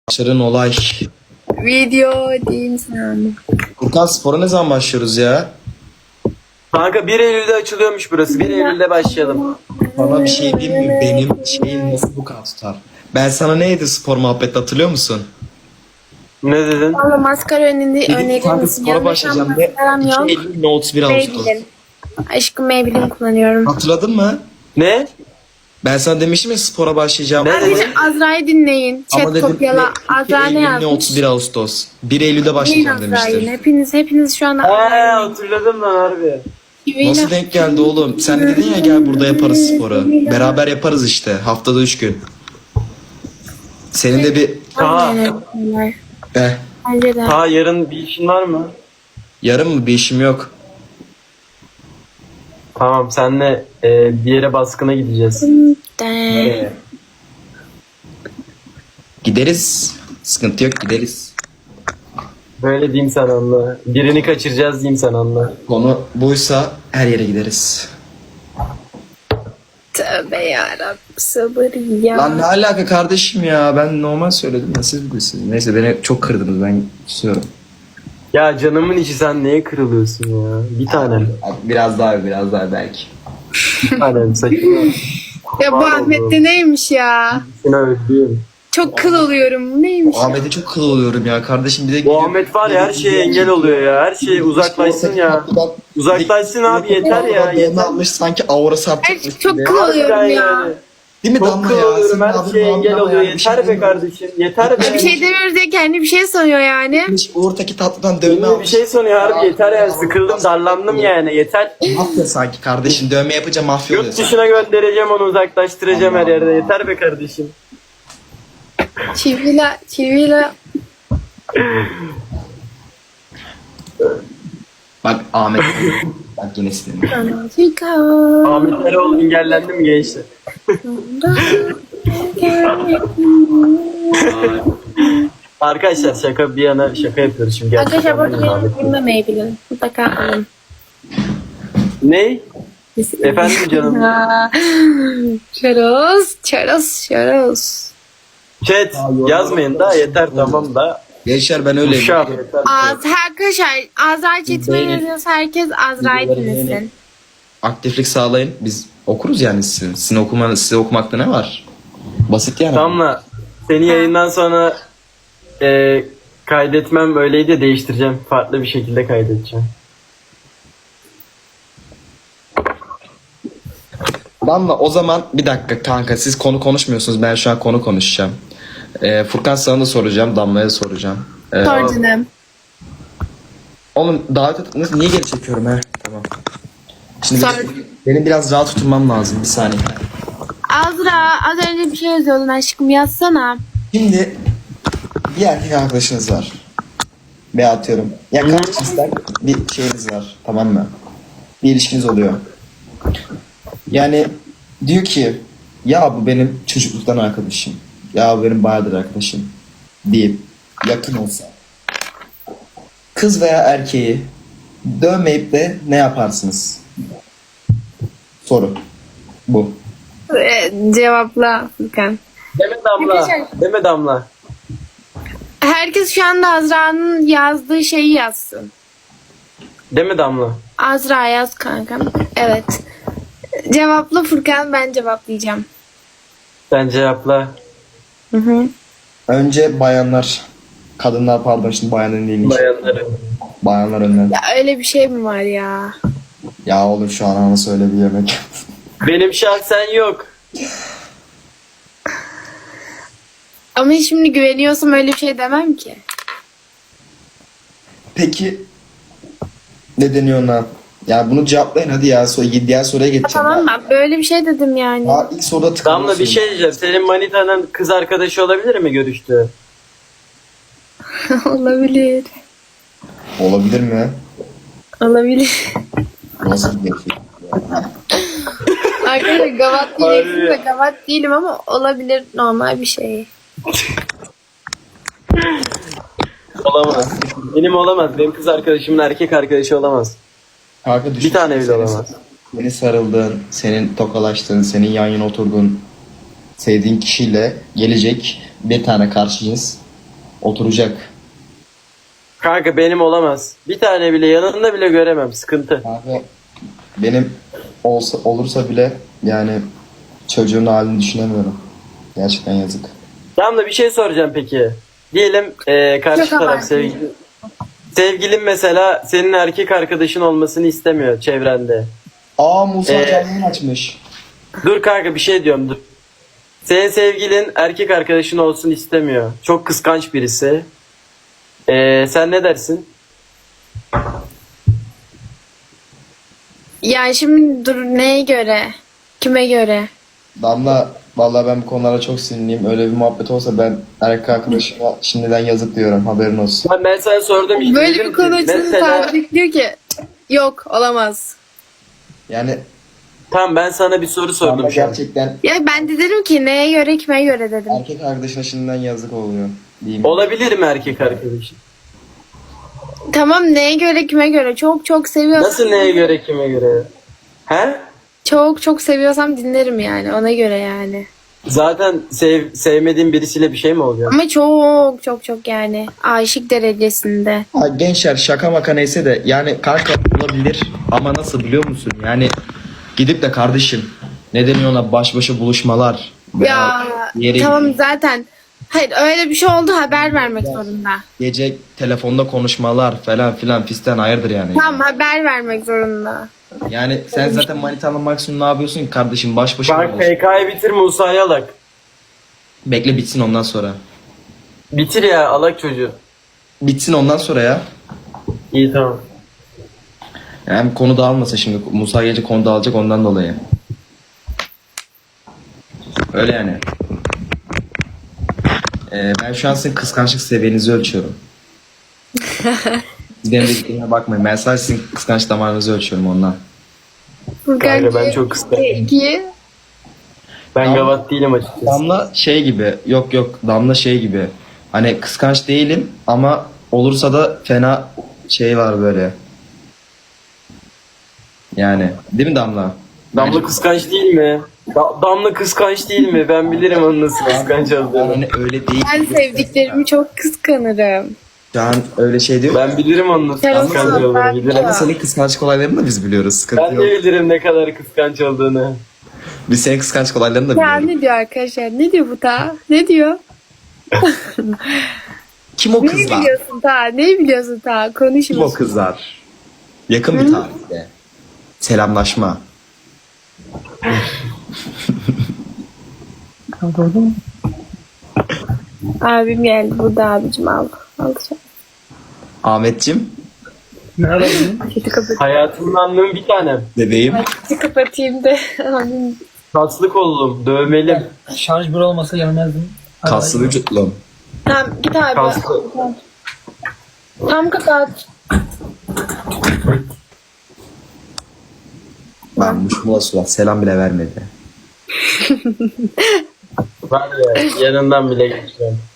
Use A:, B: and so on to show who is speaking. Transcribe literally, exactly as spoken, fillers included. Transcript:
A: Başarın olay.
B: Video değil sen.
A: Furkan spora ne zaman başlıyoruz ya?
C: Kanka bir Eylül'de açılıyormuş burası. bir Eylül'de başlayalım.
A: Bana bir şey diyeyim mi? Benim şeyim nasıl bu kadar tutar? Ben sana neydi spor muhabbeti hatırlıyor musun?
C: Ne dedin?
B: Valla maskara önünde
A: Dedim
B: örneğin
A: kanka spora başlayacağım ve
B: maskaram
A: iki
B: yok.
A: Eylül ne otuz bir Ağustos.
B: Maybelline. Aşkım Maybelline kullanıyorum.
A: Hatırladın mı?
C: Ne?
A: Ben sana demiştim ya spora başlayacağım.
C: Ne
B: Arkadaşlar
C: dedin?
B: Azra'yı dinleyin.
A: Ama
B: Chat
A: dedim
B: kopyala.
A: iki
B: Azra ne
A: Eylül ne
B: yazmış?
A: otuz bir Ağustos. bir Eylül'de
B: Dinleyin
A: başlayacağım
B: Azra'yı.
A: demiştim.
B: Hepiniz hepiniz şu anda
C: He
B: Azra'yı
C: hatırladım lan harbi.
B: dinleyin.
A: Nasıl denk geldi oğlum? Sen de dedin ya gel burada yaparız sporu. Beraber yaparız işte. Haftada üç gün. Senin de bir...
B: Aynen öyle.
A: Eh,
B: Bence de.
C: Ha yarın bir işin var mı?
A: yarın mı? Bir işim yok.
C: Tamam senle e, bir yere baskına gideceğiz.
B: De.
C: Nereye?
A: Gideriz. Sıkıntı yok gideriz.
C: Böyle diyeyim sen anla. Birini kaçıracağız diyeyim sen anla.
A: Konu buysa her yere gideriz.
B: Tövbe yarabbim sabır ya.
A: Lan ne alaka kardeşim ya? Ben normal söyledim ya siz bilirsiniz. Neyse beni çok kırdınız ben susuyorum.
C: Ya canımın içi sen neye kırılıyorsun ya? Bir tanem.
A: Biraz daha biraz daha belki.
C: Bir tanem saçını.
B: Ya bu Ahmet'te neymiş ya?
C: Seni öldüğüm.
B: Çok kıl oluyorum. Bu neymiş?
A: Ahmet'e çok kıl oluyorum ya kardeşim bir de
C: Bu Ahmet var ya her şeye engel oluyor ya. Her şeye uzaklaşsın ya. Uzaklaşsın abi yeter ya.
A: Yeter. Almış sanki aurası
B: Ay,
A: atacakmış
B: çok
A: gibi.
B: kıl oluyorum
C: Harbiden
B: ya.
C: yani.
A: Değil mi
C: Çok
A: Damla
C: kıl
A: ya?
C: oluyorum
A: Senin
C: her
A: adın
C: şeye
A: Damla
C: engel
A: ya,
C: oluyor.
A: bir şey
C: Yeter be
A: demiyorum.
C: kardeşim. Yeter be.
B: Bir şey demiyoruz diye kendi bir şey sanıyor yani.
A: Uğur'taki tatlıdan dövme
C: Ünlü bir
A: almış.
C: şey sanıyor harbi yeter yani. Sıkıldım darlandım yani yeter.
A: Mafya sanki kardeşim dövme yapınca mafya oluyor
C: Yurt
A: sanki.
C: dışına göndereceğim onu uzaklaştıracağım her yerde. Yeter be kardeşim.
B: Çivila, çivila.
A: Bak Ahmet. Bak yine sinirlendim.
B: Chica.
C: Ahmet Eroğlu engellendi mi gençler? Arkadaşlar şaka bir yana şaka yapıyoruz şimdi.
B: Arkadaşlar
C: Gerçekten
B: burada
C: Ahmet
B: benim
C: Eroğlu.
B: Maybelline. Mutlaka alın.
C: Ne? Efendim canım.
B: Çaroz, çaroz, çaroz.
C: Chat yazmayın da yeter tamam da.
A: Gençler ben öyle.
C: Uşağım yeter.
B: Az, arkadaşlar Azra chatime
A: Beğenin.
B: yazıyorsa herkes Azra'yı
A: Videoları
B: dinlesin.
A: beğenin. Aktiflik sağlayın. Biz okuruz yani sizin. Sizin okumanız, size okumakta ne var? Basit yani.
C: Tamla seni yayından sonra e, kaydetmem öyleydi de değiştireceğim. Farklı bir şekilde kaydedeceğim.
A: Damla o zaman bir dakika kanka siz konu konuşmuyorsunuz. Ben şu an konu konuşacağım. Ee, Furkan sana da soracağım. Damla'ya soracağım. Ee,
B: Sor canım.
A: Oğlum davet et... Nasıl- Niye geri çekiyorum he? Tamam. Şimdi
B: Sor.
A: benim, benim biraz rahat tutmam lazım. Bir saniye.
B: Azra az önce bir şey yazıyordun aşkım yazsana.
A: Şimdi bir erkek arkadaşınız var. Ve atıyorum. Ya kaç cinsler bir şeyiniz var. Tamam mı? Bir ilişkiniz oluyor. Yani diyor ki ya bu benim çocukluktan arkadaşım. Ya bu benim bayağıdır arkadaşım. Deyip yakın olsa. Kız veya erkeği dövmeyip de ne yaparsınız? Soru. Bu.
B: Ee, cevapla Furkan.
C: Deme Damla.
B: Arkadaşlar-
C: Deme Damla.
B: Herkes şu anda Azra'nın yazdığı şeyi yazsın.
C: Deme Damla.
B: Azra yaz kankam. Evet. Cevapla Furkan, ben cevaplayacağım.
C: Sen cevapla.
B: Hı hı.
A: Önce bayanlar. Kadınlar pardon şimdi bayanların değil.
C: Bayanları.
A: Bayanlar önden.
B: Ya öyle bir şey mi var ya?
A: Ya oğlum şu an ana söyle bir yemek.
C: Benim şahsen yok.
B: Ama şimdi güveniyorsam öyle bir şey demem ki.
A: Peki ne deniyor ona? Ya bunu cevaplayın hadi ya. So diğer soruya geçeceğim.
B: Tamam ben böyle bir şey dedim yani.
A: Aa, ilk soruda tıkanıyorsun.
C: Damla bir şey diyeceğim. Senin manitanın kız arkadaşı olabilir mi görüştüğü?
B: Olabilir.
A: Olabilir mi?
B: Olabilir.
A: Nasıl bir şey?
B: Arkadaşlar gavat
C: Harbi.
B: diyeceksin de gavat değilim ama olabilir, normal bir şey.
C: Olamaz. Benim olamaz. Benim kız arkadaşımın erkek arkadaşı olamaz.
A: Kanka düşün.
C: Bir tane bile
A: Senin-
C: olamaz.
A: Seni sarıldığın, senin tokalaştığın, senin yan yana oturduğun sevdiğin kişiyle gelecek bir tane karşı cins Oturacak.
C: Kanka benim olamaz. Bir tane bile yanında bile göremem. Sıkıntı.
A: Abi benim olsa olursa bile yani çocuğun halini düşünemiyorum. Gerçekten yazık.
C: Tamam da bir şey soracağım peki. Diyelim e, karşı
B: Çok
C: taraf
B: abartı.
C: sevgili. Sevgilin mesela senin erkek arkadaşın olmasını istemiyor çevrende.
A: Aa Musa
C: Ee,
A: canlı yayın açmış.
C: Dur kanka bir şey diyorum dur. Senin sevgilin erkek arkadaşın olsun istemiyor. Çok kıskanç birisi. E, sen ne dersin?
B: Yani şimdi dur neye göre? Kime göre?
A: Damla vallahi ben bu konulara çok sinirliyim. Öyle bir muhabbet olsa ben erkek arkadaşıma şimdiden yazık diyorum. Haberin olsun.
C: Ben, ben sana sordum işte.
B: Böyle
C: dedim
B: bir
C: ki,
B: konu açılınca
C: mesela-
B: Tarık diyor ki yok olamaz.
A: Yani
C: Tamam ben sana bir soru
A: Damla
C: sordum şu an.
A: gerçekten
B: Ya ben de dedim ki neye göre kime göre dedim.
A: erkek arkadaşına şimdiden yazık oluyor. Diyeyim.
C: Olabilir mi erkek arkadaşın?
B: Tamam neye göre kime göre çok çok seviyorsam.
C: Nasıl neye göre kime göre? He?
B: Çok çok seviyorsam dinlerim yani ona göre yani.
C: Zaten sev, sevmediğin birisiyle bir şey mi oluyor?
B: Ama çok çok çok yani aşık derecesinde.
A: Ha, gençler şaka maka neyse de yani kanka olabilir ama nasıl biliyor musun? Yani gidip de kardeşim ne deniyor ona baş başa buluşmalar. veya
B: Ya
A: bir yere
B: tamam
A: gidip
B: zaten. Hayır öyle bir şey oldu haber vermek zorunda.
A: gece telefonda konuşmalar falan filan fistan hayırdır yani.
B: Tamam haber vermek zorunda.
A: Yani sen zaten manitanla maksimum ne yapıyorsun ki kardeşim baş başa
C: Bak
A: buluş.
C: P K'yı bitir Musa'yı alak.
A: Bekle bitsin ondan sonra.
C: Bitir ya alak çocuğu.
A: Bitsin ondan sonra ya.
C: İyi tamam.
A: Yani konu dağılmasın şimdi. Musa gece konu dağılacak ondan dolayı. Öyle yani. Ee, ben şu an sizin kıskançlık seviyenizi ölçüyorum. Siz benim dediklerime bakmayın. Ben sadece sizin kıskanç damarınızı ölçüyorum ondan.
B: Furkan
C: Kanka, ben
B: ki-
C: çok kıskançım.
B: iki.
C: Ben
A: Tamam.
C: gavat değilim açıkçası.
A: Damla şey gibi. Yok yok. Damla şey gibi. Hani kıskanç değilim ama olursa da fena şey var böyle. Yani. Değil mi Damla?
C: Damla kıskanç değil mi? Da- Damla kıskanç değil mi? Ben bilirim onun nasıl kıskanç
A: Ben
C: olduğunu.
A: hani öyle değil.
B: Ben sevdiklerimi çok kıskanırım.
A: Şu an öyle şey diyor.
C: Ben bilirim onun nasıl
B: Sen
C: kıskanç
B: olsun,
C: olduğunu.
B: ben
C: Bilirim.
B: bilirim.
A: Senin kıskançlık olaylarını da biz biliyoruz. Sıkıntı
C: Ben
A: yok.
C: de bilirim ne kadar kıskanç olduğunu.
A: Biz senin kıskançlık olaylarını da
B: Ya
A: biliyoruz.
B: ne diyor arkadaşlar? Ne diyor bu ta? Ne diyor?
A: Kim o
B: Ne
A: kızlar?
B: biliyorsun ta? Ne biliyorsun ta?
A: Kim o
B: Konuşma.
A: kızlar? Yakın bir tarihte. Selamlaşma.
B: Abim geldi. Burada abicim al. Al.
A: Ahmetçim.
B: Sesi kapatayım.
C: Hayatımın anlamı bir tanem.
A: Bebeğim.
B: Sesi kapatayım da. Abim.
C: Kaslı kollum, dövmelim.
D: Şarj bir olmasa gelmezdim.
A: Kaslı vücutlum.
B: Tamam git abi.
C: Kaslı.
B: Tam kapat.
A: Ben muşmula surat selam bile vermedi.
C: Var ya yanından bile geçiyorum.